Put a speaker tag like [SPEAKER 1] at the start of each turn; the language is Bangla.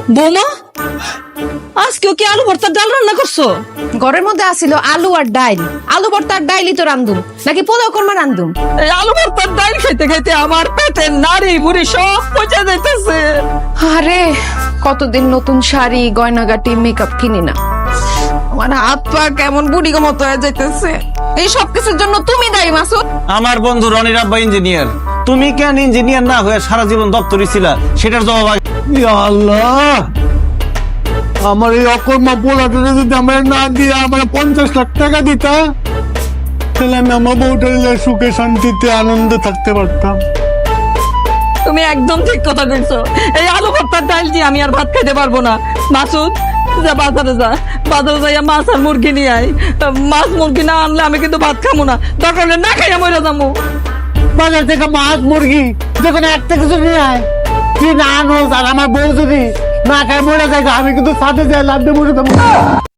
[SPEAKER 1] বৌমা, আজকেও কি আলু ভর্তার ডাল রান্না করছো?
[SPEAKER 2] ঘরের মধ্যে আসিল আলু আর ডাইল। আলু ভর্তা আর ডাইলই তো রান্ধুম, নাকি পোলাও কর্মা রান্ধুম?
[SPEAKER 1] এই আলু ভর্তার ডাল খাইতে খাইতে আমার পেটে নাড়ি বুড়ি সব পচে যাইতেছে।
[SPEAKER 2] আরে কতদিন নতুন শাড়ি গয়নাগাটি মেকআপ কিনি না, আমার হাত পা কেমন বুড়ি মতো হয়ে যাইতেছে। এই সব কিছুর জন্য তুমি দায়ী মাসুদ।
[SPEAKER 3] আমার বন্ধু রনির আব্বা ইঞ্জিনিয়ার, তুমি কেন ইঞ্জিনিয়ার না হয়ে সারা জীবন দপ্তরি ছিলা, সেটার জবাব
[SPEAKER 4] ইয়া আল্লাহ, আমার এই অকর্মা পোলাটা যদি আমার না দিয়ে আমার 50 লাখ টাকা দিতা, তাহলে আমি আমার বউটা সুখে শান্তিতে আনন্দে থাকতে পারতাম।
[SPEAKER 1] তুমি একদম ঠিক কথা কইছো। এই আলু ভর্তার ডাল দিয়ে আমি আর ভাত খাইতে পারবো না। মাসুদ, যা বাজারে যা, বাজারে যাইয়া মাছ আর মুরগি নিয়ে আয়। মাছ মুরগি না আনলে আমি কিন্তু ভাত খাবো না, দরকার হলে না খাইয়া মরে যাবো।
[SPEAKER 4] বাজার থেকে মাছ মুরগি যখন একটা কিছু নিয়ে আয়, তুই না আনোস আর আমার বউ যদি না খায় মরে যায়, আমি কিন্তু সাথে যাই লাভ দিয়ে মরে যাবো।